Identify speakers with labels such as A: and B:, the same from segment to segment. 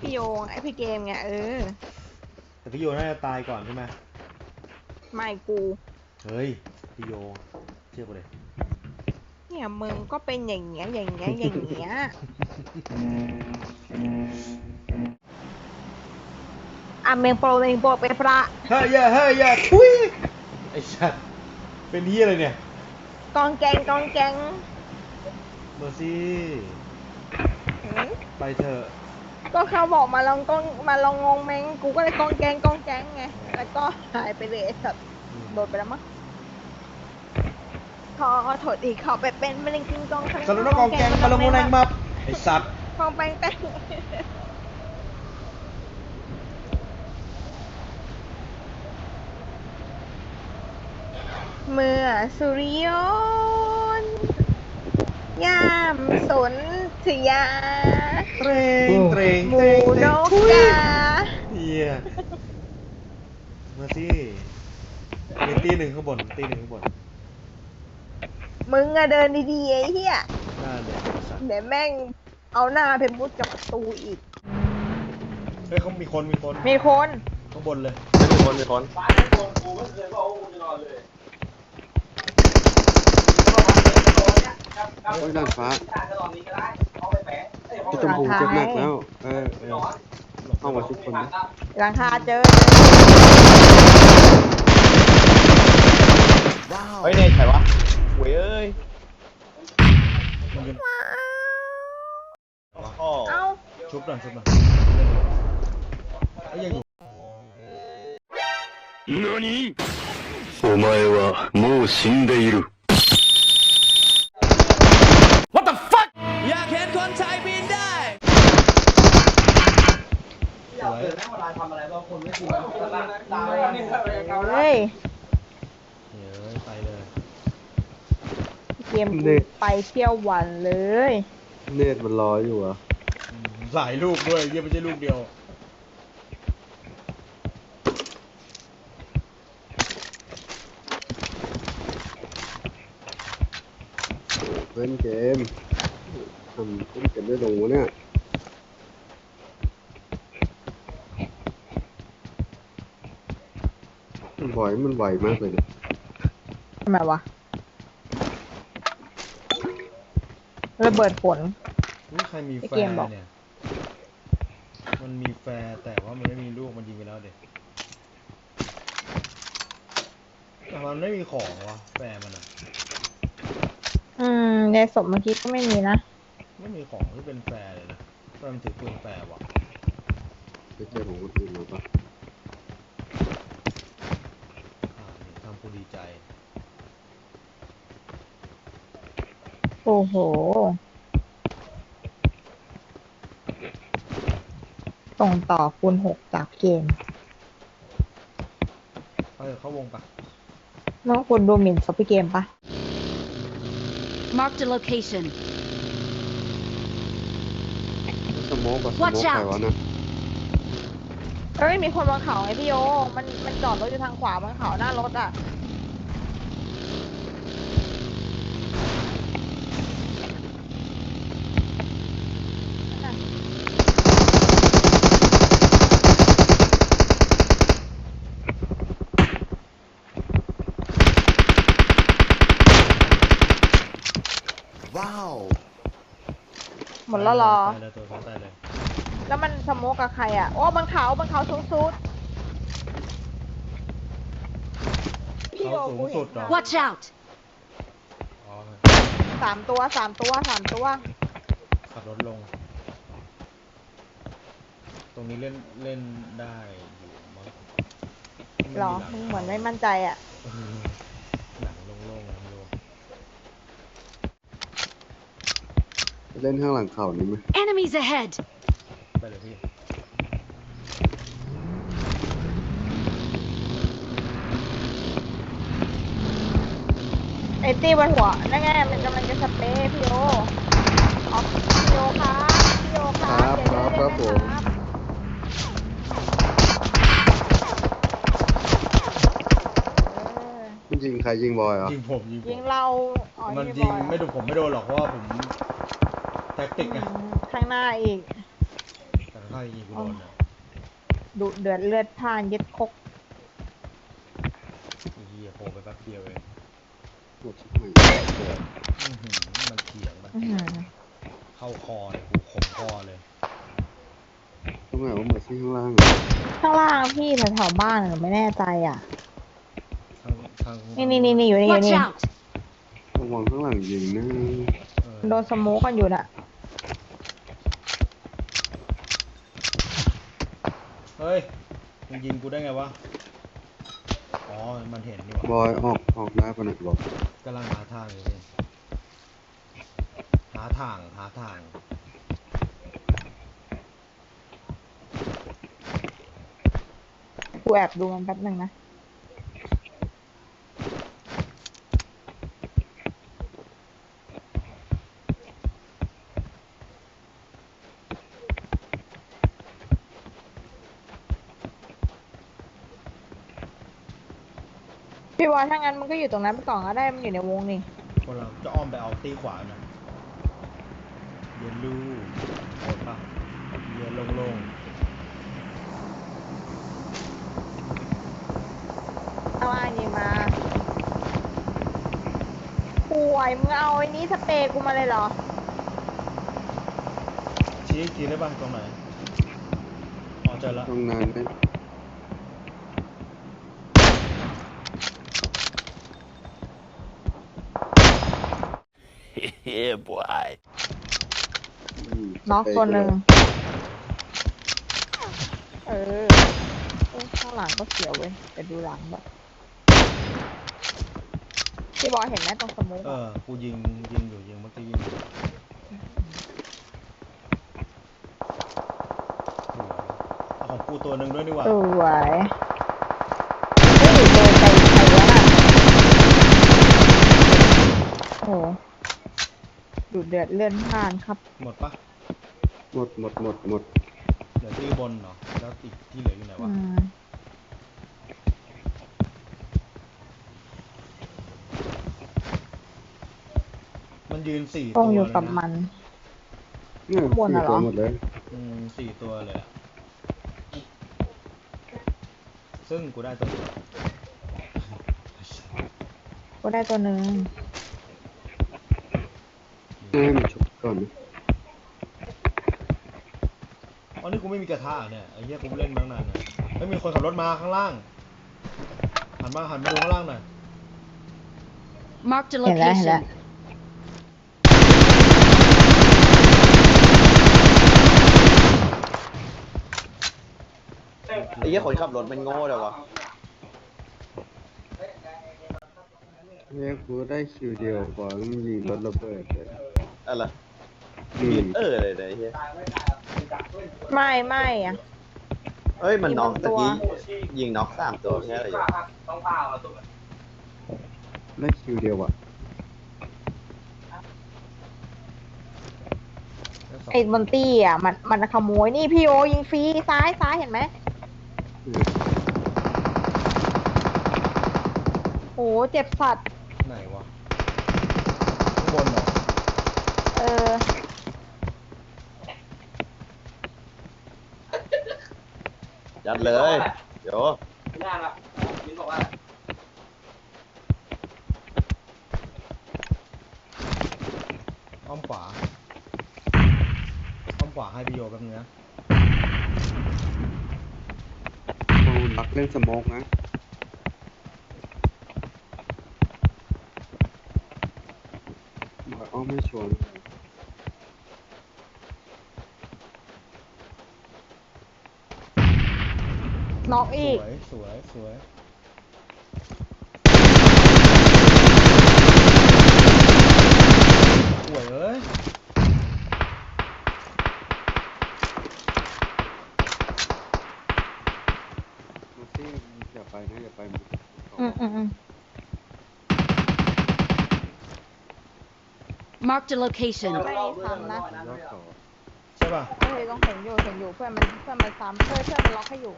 A: พี่โยงไอพี่เกมไง
B: แต่พี่โยน่าจะตายก่อนใช่ไหม
A: ไม่กู
B: เฮ้ยพี่โยเชื่อกูเลย
A: เนี่ยมึงก็เป็นอย่างเงี้ยอย่างเงี้ยอย่างเงี้ยอ่ะเมงโปรเมงโปรเป็นพระ
B: เฮ้ยอย่าทุยไอ้สัตว์เป็นที่อะไรเนี่ย
A: กองแกงกองแกง
B: เมอร์ซี่ไปเถอะ
A: ก็เขาบอกมาลองกองมาลองงงเมงกูก็เลยกองแกงกองแกงไงแล้วก็หายไปเลยสัตว์โดดไปแล้วมั้งขอโทษอีกเขาไปเป็นมะเร็งกินกอง
B: สรุปว่ากองแกงมาลงแรงมาไอ้สัตว์
A: กองแปงแป้งเมื่อสุริยนต์ยามสนธยา
B: เตรง
A: หมูนกกา
B: เฮียมาสิมีตีหนึ่งข้างบนตีหนึ่งข้างบน
A: มึงอะเดินดีๆไอ้เหี้ย
B: หน้าเด็กสัตว์
A: เดี๋ยวแม่งเอาหน้าเพมุดกับประตูอีก
B: เฮ้ยเขามีคนข้างบนเลย
C: มีคนโอ้ยด้านฟ้าพี่ชมพูเจ็บหนักแล้วเข้ามาทุกคนนะ
A: หลังคาเจอ
C: เฮ้ยเนี่ยใครวะเว้ยเอ้ย
A: เอ้า
B: ชุบหน่อยไอ้ยังอยู่
D: 何お前はもう死んでいる
B: What the fuck
E: อยากเห็นคนไทยบินได้
A: เฮ้ย
B: ไปเลย
A: เกมไปเที่ยววันเลย
C: เนตมันรออยู่อ่ะ
B: หลายลูกด้วยยังไม่ใช่ลูกเดียว
C: เล่นเกมทำเล่นเกมได้ลงวะเนี่ยมันไหวมากเลยเนี่ย
A: ทำไมวะระเบิดผล
B: นี่ใครมีแฟร์เนี่ยมันมีแฟร์แต่ว่ามันไม่มีลูกมันยิงไปแล้วเด็กแต่มันไม่มีของวะแฟร์มันอ่ะ
A: ในศพเมื่อกี้ก็ไม่มีนะ
B: ไม่มีของที่เป็นแฟร์เลยนะมันถือปืนแฟร์วะ
C: ไปเจอของคนอื่นมาปะ
B: ทำกูดีใจ
A: โอ้โหส่งต่อคูณ6จากเกม
B: เข้าวงปะ
A: น้องคุณดูหมิ่นซอฟต์เกมปะ
F: Marked a location
C: สโมกใครวะนะ
A: เอ้ยมีคนบนเขาไงพี่โยมันจอดรถอยู่ทางขวาบนเขาหน้ารถอ่ะ
C: ว้าว
A: หมดแล้วรอ
B: ตายเลย
A: แล้วมันสโมกกับใครอ่ะโอ้บนเขาสูงสุดพี่โยกูเห็น
F: Watch out
A: สามตัว
B: ขับรถลงตรงนี้เล่นได้อยู่มั้ง
A: หรอมึงเหมือนไม่มั่นใจอ่ะ
B: หนังโล่ง
C: เล่นข้างหลังเขานี่ไหม
F: Enemies ahead
B: ไปเลยพี่
A: ไอ้ตีบนหัวนั่นไงมันกำลังจะสเปรย์พี่โยพี่โยครับ
C: ครับผมยิงใครยิงบอยเหรอ
B: ยิงผม
A: ยิงเรา
B: มันยิงไม่โดนผมไม่โดนหรอกเพราะว่าผมแท็กติกไง
A: ข้างหน้าอีก
B: แต่ใครยิงกูโดนอ่ะ
A: ดุเดือดเลือดพล่านเย็ดคก
B: ไอ้เหี้ยโผล่ไปแป๊บเดียวเอง
C: ปวดชิบหายปวด
B: มันเถียงมัน
A: อื้อ
B: เถีย
A: หื
B: ง
A: อ
B: เข้าคอเลยกูขมคอเลย
C: ตรงไหนว่าเมอร์ซี่ข้างล่าง
A: ข้างล่างพี่แถวๆบ้านหนูไม่แน่ใจอ่ะ
B: ทาง
A: นี่อยู่นี่อยู่
F: Watch
A: นี่
F: out!
C: ระวังข้างหลังยิงนะ
B: เออ
A: โดนสโมูกันอยู่น่ะ
B: เฮ้ยมึงยิงกูได้ไงวะอ๋อมันเห็นนี่ห
C: บ
B: ว่า
C: อยออกได้ปะเนี่ยบอก
B: กำลังหาทางอยู่พี่หาทาง
A: กูแอบดูมันแป๊บหนึ่งนะ พี่บอยถ้างั้นมันก็อยู่ตรงนั้นไปก่อนก็ได้มันอยู่ในวงนี่
B: คนเราจะอ้อมไปเอาตีขวาหน่อยเย็นลูโหดปะเย็นโล่ง
A: เอาอันนี้มาป่วยมึงเอาไอ้นี้สเปรย์กูมาเลยเหรอ
B: ๆชี้อีกทีได้ปะตรงไหนอ๋อเจอแล้ว
C: ตรงนั้นได้
D: Yeah, boy.
A: น็อกตัวหนึ่งเออข้างหลังก็เสียวเว้ยแต่ดูหลังแบบพี่บอยเห็นไหมตรงสมุก
B: กูยิงอยู่เมื่อกี้ยิงอยู่เอาของกูตัวหนึ่งด้วยดีกว่า
A: สวยเฮ้ยเดินไปใครวะน่ะโอ้ดูเดือดเลื่อนผ่านครับ
B: หมดปะ
C: หมด
B: เหลือที่บนเหรอแล้วอีกที่เหลืออยู่ไหนวะ มันยืน4
A: ต้
B: ตั
A: อง
B: ว
A: อยู่
B: เลย
A: กับ
B: นะ
A: มัน
C: เนี่ย
A: ข้างบน
C: สี่
A: น่ะเหร
C: ตั
A: อ
C: วหมดเลย
B: 4 ตัวเลยอะซึ่งกูได้ตัวเดียว
A: ก็ได้ตัวหนึ่ง
C: ให้มันชุบก่อนนะ
B: อ๋อนี่กูไม่มีกระทะเนี่ยไอ้เหี้ยกูเล่นมาตั้งนานเนี่ยไม่มีคนขับรถมาข้างล่างหันมาดูข้างล่างหน่อย
F: Marked a
A: เห็นแล้ว
F: location.
G: ไอ้เหี้ยคนขับรถมันโง่เลยวะ
C: เนี่ยกูได้คิวเดียวพอแล้วมันยิงรถระเบิดเลย
G: อะไร
C: อืม
G: เลยนะไอ้เหี้ย
A: ไม่อ่ะ
G: เอ้ยมันน็อก
A: มีบางตั
G: ตะ
A: ว
G: กี้ยิงน็อก3 ตัวแค่อะไรอยู่
C: ได้คิวเดียวอ่ะ
A: ไอ้บนตี้อ่ะมันขโมยนี่พี่โอยิงฟรีซ้ายเห็นไหม
C: อืม
A: โอ้เจ็บสัตว์
B: ไหนวะข้างบนเหรอ
A: เออ
G: ยัดเลยเดี๋ยว
B: อ้อมขวาให้พี่โยแป๊บนึงนะ
C: เอาลักเล่นสโมกนะบอยอ้อมไม่ชวน
A: น็อก
B: ส
A: อีก
B: วยสวยเอ้ย
C: มาซี่อย่าไปนะอย่าไปหมด
A: อืม
F: Marked a location.
A: ไม่ซ้ำนะ
C: ยอดเขา
B: ใช่ป่ะ
A: เฮ้ยต้องเห็นอยู่เพื่อนมันซ้ำเพื่อนมันล็อกให้อยู่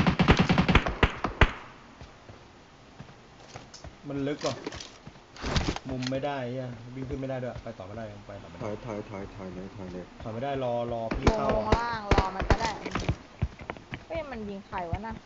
B: มันลึกกว่ามุมไม่ได้เหี้ยวิ่งขึ้นไม่ได้ด้วยไปต่อไม่ได้ยังไปต่อไม่
C: ถ
B: ได้
C: อยเลยถอยเลย
B: ถอยไม่ได้รอพี่
A: ลง
B: เข้า
A: ลงล่างรอมันก็ได้เฮ้ยมันยิงใครวะน่ะ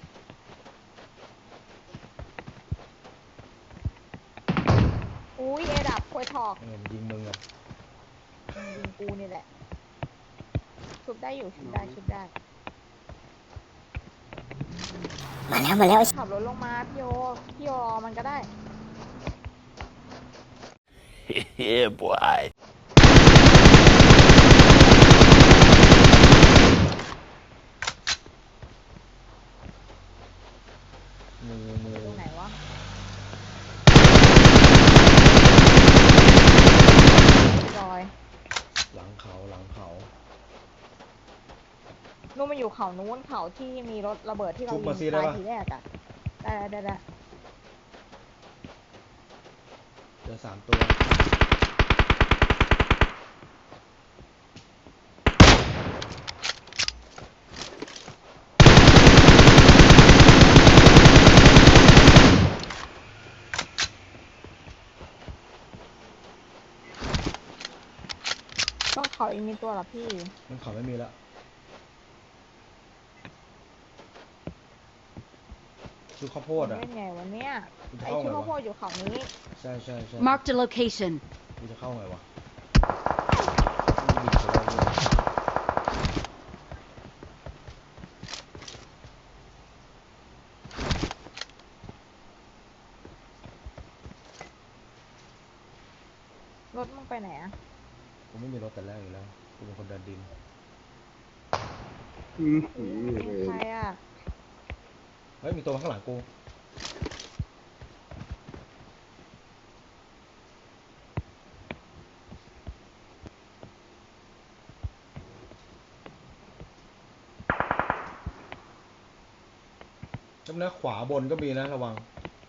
A: อุ้ยเอดับควยถอก
B: เงินยิงมึงอ่ะ
A: มันยิงกูนี่แหละชุบได้อยู่ชุบได้ชุบได้มาแล้วขับรถลงมาพี่โยรอมันก็ได้
D: Yeah, boy.
B: มือ
A: ตรงไหนวะรอย
B: หลังเขา
A: นู่นมันอยู่เขานู้นเขาที่มีรถระเบิดที่เรา
B: ชุบ
A: ยิ
B: มาง ซีได้
A: ตาย
B: ปะ
A: ทีแรกอะได้
B: เจอ3 ตัว
A: ต้องเขาอีกมีตัวเหรอพี่
B: มันเขาไม่มีละชุดข้าวโพดอ่ะ
A: เล่นไงวันเนี้ย
B: กูจะ
A: ไอ
B: เข้า
A: ชุด
B: ไง
A: ข้าวโพ
B: วะ
A: ดอยู่เขานี้
B: ใช่
F: Marked a location.
B: กูจะเข้าไงวะบินไปแล้วเนี่ย
A: รถมึงไปไหนอะ
B: กูไม่มีรถแต่แรกอยู่แล้วกูเป็นคนเดินดิน
A: เป็นใครอะ
B: เฮ้ยมีตัวข้างหลังกูจำนะขวาบนก็มีนะระวัง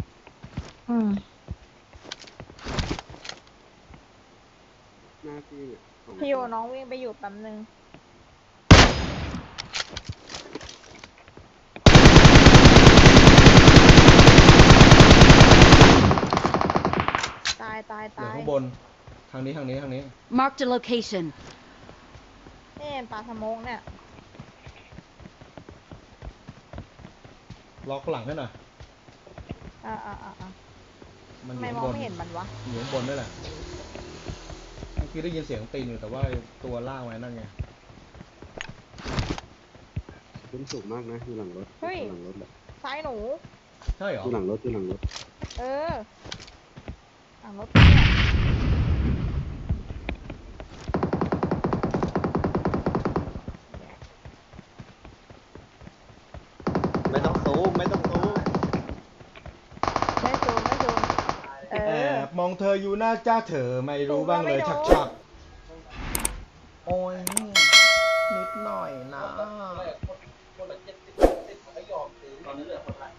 C: หน้าที่เนี่ยของ
A: พี่โยน้องวิ่งไปอยู่แป๊บนึงตาย
B: เหลือข้างบนทางนี้
F: Marked a location.
A: นี่ปลาสโมกเนี่ย
B: ล็อกหลังให้หน่อย
A: อ่า
B: มันอ
A: ทำไม
B: ยู่
A: ม
B: ข้า
A: อง
B: งบน
A: ไม่เห็นมันวะ
B: อยู่ข้างบนด้วยแหละเมื่อกี้ได้ยินเสียงตีนอยู่แต่ว่าตัวล่างไว้นั่นไง
C: ขึ้นสูงมากนะอยู่หลังรถ
A: เฮ้ย
C: หลังรถแหละ
A: ซ้ายหนู
B: ใช่เหรอ
C: อยู่หลังรถ
A: เออหลังรถเนี่ย
G: ไม่ต้องซูมไม่ต้องซูม
A: ไม่ซูมเอ
B: แอ
A: อ
B: บมองเธออยู่หน้าจ้าเธอไม่รู้บ้างเลยชักโอ้ยนิดหน่อยนะ